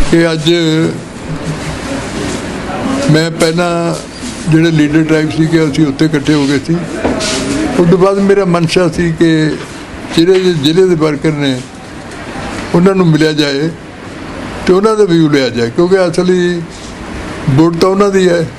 कि अज मैं पहला ਜਿਹੜੇ ਲੀਡਰ ਟ੍ਰਾਈਬ ਸੀ ਕਿ ਅਸੀਂ ਉੱਥੇ ਇਕੱਠੇ ਹੋ ਗਏ ਸੀ। ਉਸ ਤੋਂ ਬਾਅਦ ਮੇਰਾ ਮਨਸ਼ਾ ਸੀ ਕਿ ਜਿਹੜੇ ਜ਼ਿਲ੍ਹੇ ਦੇ ਵਰਕਰ ਨੇ ਉਹਨਾਂ ਨੂੰ ਮਿਲਿਆ ਜਾਏ ਅਤੇ ਉਹਨਾਂ ਦਾ ਵਿਊ ਲਿਆ ਜਾਏ, ਕਿਉਂਕਿ ਅਸਲੀ ਵੋਟ ਤਾਂ ਉਹਨਾਂ ਦੀ ਹੈ।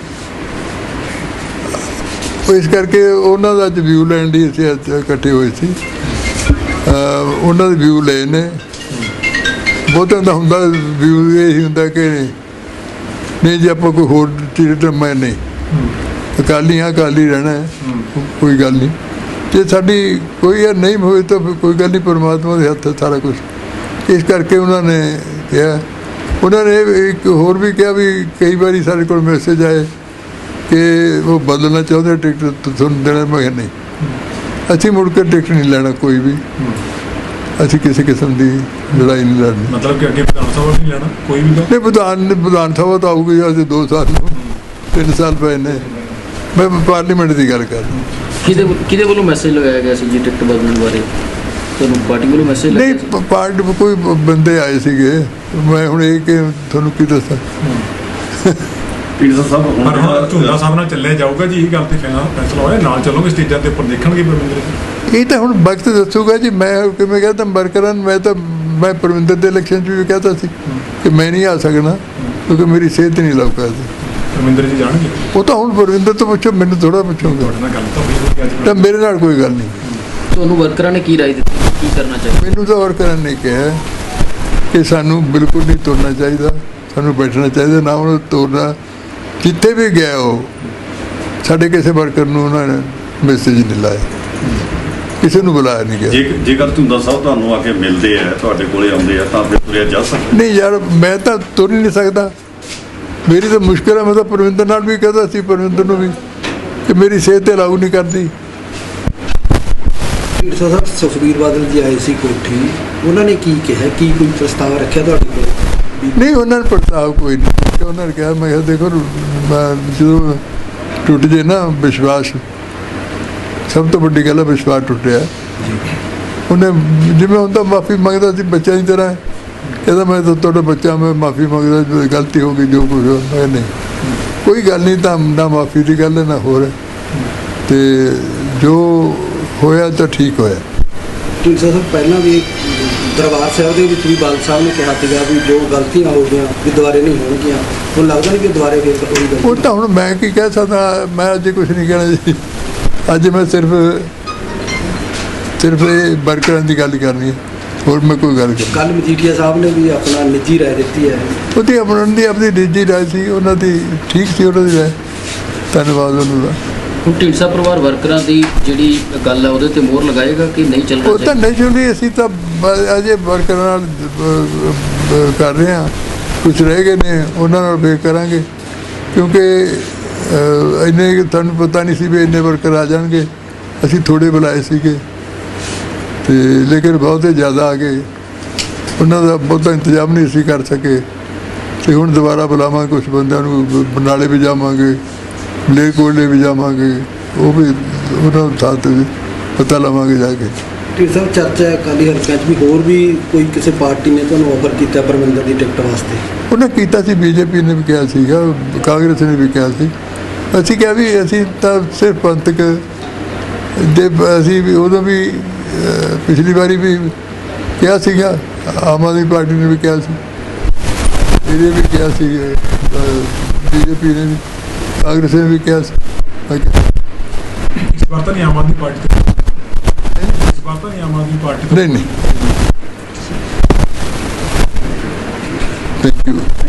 ਇਸ ਕਰਕੇ ਉਹਨਾਂ ਦਾ ਅੱਜ ਵਿਊ ਲੈਣ ਲਈ ਅਸੀਂ ਇਕੱਠੇ ਹੋਏ ਸੀ। ਉਹਨਾਂ ਦੇ ਵਿਊ ਲਏ ਨੇ। ਬਹੁਤਿਆਂ ਦਾ ਹੁੰਦਾ ਵਿਊ ਇਹੀ ਹੁੰਦਾ ਕਿ ਨਹੀਂ ਜੀ ਆਪਾਂ ਕੋਈ ਹੋਰ ਚੀਜ਼ ਮੈਂ ਨਹੀਂ ਅਕਾਲੀ ਹਾਂ, ਅਕਾਲੀ ਰਹਿਣਾ ਹੈ, ਕੋਈ ਗੱਲ ਨਹੀਂ। ਜੇ ਸਾਡੀ ਕੋਈ ਯਾਰ ਨਹੀਂ ਹੋਏ ਤਾਂ ਕੋਈ ਗੱਲ ਨਹੀਂ, ਪਰਮਾਤਮਾ ਦੇ ਹੱਥ ਸਾਰਾ ਕੁਛ। ਇਸ ਕਰਕੇ ਉਹਨਾਂ ਨੇ ਕਿਹਾ, ਉਹਨਾਂ ਨੇ ਇੱਕ ਹੋਰ ਵੀ ਕਿਹਾ ਵੀ ਕਈ ਵਾਰੀ ਸਾਡੇ ਕੋਲ ਮੈਸੇਜ ਆਏ ਕਿ ਉਹ ਬਦਲਣਾ ਚਾਹੁੰਦੇ ਟਿਕਟ ਤੁਹਾਨੂੰ ਦੇਣਾ। ਮੈਂ ਕਿਹਾ ਨਹੀਂ, ਅਸੀਂ ਮੁੜ ਕੇ ਟਿਕਟ ਨਹੀਂ ਲੈਣਾ ਕੋਈ ਵੀ। ਅਸੀਂ ਕਿਸੇ ਕਿਸਮ ਦੀ ਲੜਾਈ ਨਹੀਂ ਲੜਨੀ। ਮਤਲਬ ਕਿ ਅੱਗੇ ਵਿਧਾਨ ਸਭਾ ਨਹੀਂ ਲੈਣਾ ਕੋਈ ਵੀ ਨਹੀਂ। ਵਿਧਾਨ ਸਭਾ ਤਾਂ ਆਊਗੀ ਅਸੀਂ 2 ਸਾਲ 3 ਸਾਲ ਪਏ ਨੇ। ਮੈਂ ਪਾਰਲੀਮੈਂਟ ਦੀ ਗੱਲ ਕਰ ਰਿਹਾ। ਕਿਹਦੇ ਵੱਲੋਂ ਮੈਸੇਜ ਲਗਾਇਆ ਗਿਆ ਸੀ ਜੀ ਟਿਕਟ ਬਦਲਣ ਬਾਰੇ? ਤੁਹਾਨੂੰ ਪਾਰਟੀ ਵੱਲੋਂ ਮੈਸੇਜ ਨਹੀਂ, ਪਾਰਟੀ ਕੋਈ ਬੰਦੇ ਆਏ ਸੀਗੇ। ਮੈਂ ਹੁਣ ਇਹ ਕਿ ਤੁਹਾਨੂੰ ਕੀ ਦੱਸਾਂ। ਢੀਂਡਸਾ ਸਾਹਿਬ ਹੁਣ ਝੂੰਦਾ ਸਾਹਿਬ ਨਾਲ ਚੱਲਿਆ ਜਾਊਗਾ ਜੀ, ਇਹ ਗੱਲ ਤੇ ਫੈਸਲਾ ਹੋਇਆ ਨਾਲ ਚੱਲੋਗੇ ਸਟੇਜਾਂ ਦੇ ਉੱਪਰ ਦੇਖਣਗੇ ਪਰਮਿੰਦਰ? ਇਹ ਤਾਂ ਹੁਣ ਵਕਤ ਦੱਸੂਗਾ ਜੀ। ਮੈਂ ਕਿਵੇਂ ਕਹਿੰਦਾ ਵਰਕਰਾਂ ਨੂੰ, ਮੈਂ ਪਰਮਿੰਦਰ ਦੇ ਇਲੈਕਸ਼ਨ 'ਚ ਵੀ ਕਹਿੰਦਾ ਸੀ ਕਿ ਮੈਂ ਨਹੀਂ ਆ ਸਕਦਾ ਕਿਉਂਕਿ ਮੇਰੀ ਸਿਹਤ ਨਹੀਂ ਲੱਗ ਸਕਦੀ। ਪਰਮਿੰਦਰ ਜੀ ਜਾਣਗੇ? ਉਹ ਤਾਂ ਹੁਣ ਪਰਮਿੰਦਰ ਤੋਂ ਪੁੱਛੋ, ਮੈਨੂੰ ਥੋੜ੍ਹਾ ਪੁੱਛੋਗੇ। ਤੁਹਾਡੇ ਨਾਲ ਗੱਲ ਤਾਂ ਹੋਈ ਅੱਜ ਤਾਂ ਮੇਰੇ ਨਾਲ ਕੋਈ ਗੱਲ ਨਹੀਂ। ਤੁਹਾਨੂੰ ਵਰਕਰਾਂ ਨੇ ਕੀ ਰਾਏ ਦਿੱਤੀ, ਕੀ ਕਰਨਾ ਚਾਹੀਦਾ? ਮੈਨੂੰ ਤਾਂ ਵਰਕਰਾਂ ਨੇ ਕਿਹਾ ਕਿ ਸਾਨੂੰ ਬਿਲਕੁਲ ਨਹੀਂ ਤੁਰਨਾ ਚਾਹੀਦਾ, ਸਾਨੂੰ ਬੈਠਣਾ ਚਾਹੀਦਾ, ਨਾ ਉਹਨੂੰ ਤੋਰਨਾ। ਜਿੱਥੇ ਵੀ ਗਿਆ ਉਹ ਸਾਡੇ ਕਿਸੇ ਵਰਕਰ ਨੂੰ ਉਹਨਾਂ ਨੇ ਮੈਸੇਜ ਨਹੀਂ ਲਾਇਆ, ਕਿਸੇ ਨੂੰ ਬੁਲਾਇਆ ਨਹੀਂ ਗਿਆ। ਜੇਕਰ ਝੂੰਦਾ ਸਾਹਿਬ ਤੁਹਾਨੂੰ ਆ ਕੇ ਮਿਲਦੇ ਆ, ਤੁਹਾਡੇ ਕੋਲੇ ਆਉਂਦੇ ਆ, ਤਾਂ ਫਿਰ ਤੁਰਿਆ ਜਾ ਸਕਦਾ? ਨਹੀਂ ਯਾਰ, ਮੈਂ ਤਾਂ ਤੁਰ ਹੀ ਨਹੀਂ ਸਕਦਾ। ਮੇਰੀ ਤਾਂ ਮੁਸ਼ਕਿਲ ਹੈ। ਮੈਂ ਤਾਂ ਪਰਵਿੰਦਰ ਨਾਲ ਵੀ ਕਹਿੰਦਾ ਸੀ, ਪਰਵਿੰਦਰ ਨੂੰ ਵੀ, ਕਿ ਮੇਰੀ ਸਿਹਤ ਤੇ ਲਾਗੂ ਨਹੀਂ ਕਰਦੀ। ਢੀਂਡਸਾ ਸਾਹਿਬ ਸੁਖਬੀਰ ਬਾਦਲ ਜੀ ਆਏ ਸੀ ਕੋਠੀ, ਉਹਨਾਂ ਨੇ ਕੀ ਕਿਹਾ? ਕੀ ਕੋਈ ਪ੍ਰਸਤਾਵ ਰੱਖਿਆ ਤੁਹਾਡੇ ਕੋਲ? ਨਹੀਂ, ਉਹਨਾਂ ਨੇ ਪ੍ਰਸਤਾਵ ਕੋਈ ਨਹੀਂ। ਉਹਨਾਂ ਨੇ ਕਿਹਾ, ਮੈਂ ਕਿਹਾ ਦੇਖੋ ਜਦੋਂ ਟੁੱਟ ਜੇ ਨਾ ਵਿਸ਼ਵਾਸ, ਸਭ ਤੋਂ ਵੱਡੀ ਗੱਲ ਹੈ ਵਿਸ਼ਵਾਸ ਟੁੱਟਿਆ। ਉਹਨੇ ਜਿਵੇਂ ਹੁੰਦਾ ਮਾਫੀ ਮੰਗਦਾ ਸੀ ਬੱਚਿਆਂ ਦੀ ਤਰ੍ਹਾਂ, ਕਹਿੰਦਾ ਮੈਂ ਤਾਂ ਤੁਹਾਡਾ ਬੱਚਾ, ਮੈਂ ਮਾਫੀ ਮੰਗਦਾ, ਗਲਤੀ ਹੋ ਗਈ ਜੋ ਕੁਝ ਹੋ। ਮੈਂ ਨਹੀਂ, ਕੋਈ ਗੱਲ ਨਹੀਂ, ਤਾਂ ਨਾ ਮਾਫੀ ਦੀ ਗੱਲ ਹੈ ਨਾ ਹੋਰ। ਅਤੇ ਜੋ ਹੋਇਆ ਤਾਂ ਠੀਕ ਹੋਇਆ। ਢੀਂਡਸਾ ਸਾਹਿਬ ਪਹਿਲਾਂ ਵੀ ਦਰਬਾਰ ਸਾਹਿਬ ਦੇ ਵਿੱਚ ਵੀ ਬਾਦਲ ਸਾਹਿਬ ਨੇ ਕਿਹਾ ਸੀਗਾ ਵੀ ਜੋ ਗਲਤੀਆਂ ਹੋ ਗਈਆਂ ਵੀ ਦੁਬਾਰੇ ਨਹੀਂ ਹੋਣਗੀਆਂ। ਹੁਣ ਲੱਗਦਾ ਨਹੀਂ ਕਿ ਦੁਬਾਰੇ ਫਿਰ ਉਹੀ ਗਲਤੀ? ਉਹ ਤਾਂ ਹੁਣ ਮੈਂ ਕੀ ਕਹਿ ਸਕਦਾ। ਮੈਂ ਅੱਜ ਕੁਛ ਨਹੀਂ ਕਹਿਣਾ ਜੀ। ਅੱਜ ਮੈਂ ਸਿਰਫ ਇਹ ਵਰਕਰਾਂ ਦੀ ਗੱਲ ਕਰਨੀ ਹੈ, ਹੋਰ ਮੈਂ ਕੋਈ ਗੱਲ ਕਰ। ਕੱਲ੍ਹ ਮਜੀਠੀਆ ਸਾਹਿਬ ਨੇ ਵੀ ਆਪਣਾ ਨਿੱਜੀ ਰਾਏ ਦਿੱਤੀ ਹੈ। ਉਹਦੀ ਆਪਣੀ ਨਿੱਜੀ ਰਾਏ ਸੀ, ਉਹਨਾਂ ਦੀ ਠੀਕ ਸੀ ਉਹਨਾਂ ਦੀ ਰਾਏ। ਧੰਨਵਾਦ ਉਹਨਾਂ ਦਾ। ਹੁਣ ਢੀਂਡਸਾ ਪਰਿਵਾਰ ਵਰਕਰਾਂ ਦੀ ਜਿਹੜੀ ਗੱਲ ਹੈ ਉਹਦੇ ਤੇ ਮੋਹਰ ਲਗਾਏਗਾ ਕਿ ਨਹੀਂ ਚੱਲਣਾ? ਉਹ ਤਾਂ ਨਹੀਂ ਚਾਹੁੰਦੀ। ਅਸੀਂ ਤਾਂ ਅਜੇ ਵਰਕਰਾਂ ਨਾਲ ਕਰ ਰਹੇ ਹਾਂ, ਕੁਛ ਰਹਿ ਗਏ ਨੇ ਉਹਨਾਂ ਨਾਲ ਫੇਰ ਕਰਾਂਗੇ, ਕਿਉਂਕਿ ਇੰਨੇ ਤੁਹਾਨੂੰ ਪਤਾ ਨਹੀਂ ਸੀ ਵੀ ਇੰਨੇ ਵਰਕਰ ਆ ਜਾਣਗੇ। ਅਸੀਂ ਥੋੜ੍ਹੇ ਬੁਲਾਏ ਸੀਗੇ ਅਤੇ ਲੇਕਿਨ ਬਹੁਤੇ ਜ਼ਿਆਦਾ ਆ ਗਏ। ਉਹਨਾਂ ਦਾ ਬਹੁਤਾ ਇੰਤਜ਼ਾਮ ਨਹੀਂ ਅਸੀਂ ਕਰ ਸਕੇ ਅਤੇ ਹੁਣ ਦੁਬਾਰਾ ਬੁਲਾਵਾਂਗੇ। ਕੁਛ ਬੰਦਿਆਂ ਨੂੰ ਬਰਨਾਲੇ ਵੀ ਜਾਵਾਂਗੇ, ਮਲੇਰਕੋਟਲੇ ਵੀ ਜਾਵਾਂਗੇ, ਉਹ ਵੀ ਉਹਨਾਂ ਸਾਥ ਪਤਾ ਲਵਾਂਗੇ ਜਾ ਕੇ। ਢੀਂਡਸਾ ਸਾਹਿਬ ਚਰਚਾ ਹੈ ਅਕਾਲੀ ਹਲਕਿਆਂ 'ਚ ਵੀ ਹੋਰ ਵੀ ਕੋਈ ਕਿਸੇ ਪਾਰਟੀ ਨੇ ਤੁਹਾਨੂੰ ਆਫਰ ਕੀਤਾ ਪਰਮਿੰਦਰ ਦੀ ਟਿਕਟ ਵਾਸਤੇ? ਉਹਨੇ ਕੀਤਾ ਸੀ, ਬੀਜੇਪੀ ਨੇ ਵੀ ਕਿਹਾ ਸੀਗਾ, ਕਾਂਗਰਸ ਨੇ ਵੀ ਕਿਹਾ ਸੀ। ਅਸੀਂ ਕਿਹਾ ਵੀ ਅਸੀਂ ਤਾਂ ਸਿਰਫ ਪੰਥਕ ਦੇ, ਅਸੀਂ ਵੀ ਉਦੋਂ ਵੀ ਪਿਛਲੀ ਵਾਰੀ ਵੀ ਕਿਹਾ ਸੀਗਾ, ਆਮ ਆਦਮੀ ਪਾਰਟੀ ਨੇ ਵੀ ਕਿਹਾ ਸੀ, ਇਹਨੇ ਵੀ ਕਿਹਾ ਸੀ, ਬੀਜੇਪੀ ਨੇ ਵੀ, ਕਾਂਗਰਸ ਨੇ ਵੀ ਕਿਹਾ ਸੀ। ਇਸ ਵਾਰ ਤਾਂ ਨਹੀਂ ਆਮ ਆਦਮੀ ਪਾਰਟੀ ਤੇ? ਇਸ ਵਾਰ ਤਾਂ ਨਹੀਂ ਆਮ ਆਦਮੀ ਪਾਰਟੀ? ਨਹੀਂ, ਥੈਂਕ ਯੂ।